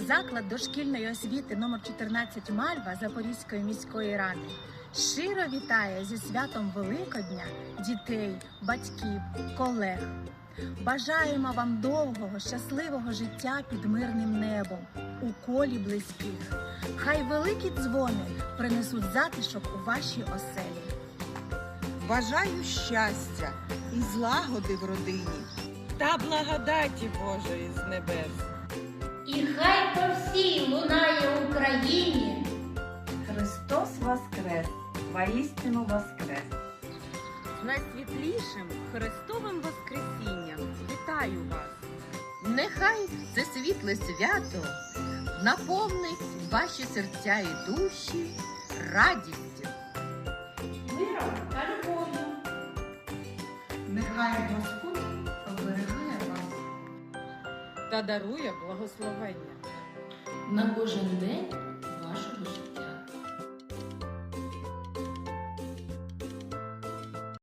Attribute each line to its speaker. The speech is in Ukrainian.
Speaker 1: Заклад дошкільної освіти номер 14 «Мальва» Запорізької міської ради щиро вітає зі святом Великодня дітей, батьків, колег. Бажаємо вам довгого, щасливого життя під мирним небом, у колі близьких. Хай великі дзвони принесуть затишок у ваші оселі.
Speaker 2: Бажаю щастя і злагоди в родині.
Speaker 3: Та благодаті Божої з небес.
Speaker 4: І хай по всій лунає Україні.
Speaker 5: Христос воскрес! Воістину воскрес!
Speaker 3: З найсвітлішим Христовим Воскресінням вітаю вас!
Speaker 6: Нехай це світле свято наповнить ваші серця і душі радістю.
Speaker 4: Миром та любов'ю.
Speaker 5: Нехай Господь оберігає вас
Speaker 3: Та дарує благословення
Speaker 7: на кожен день вашого життя.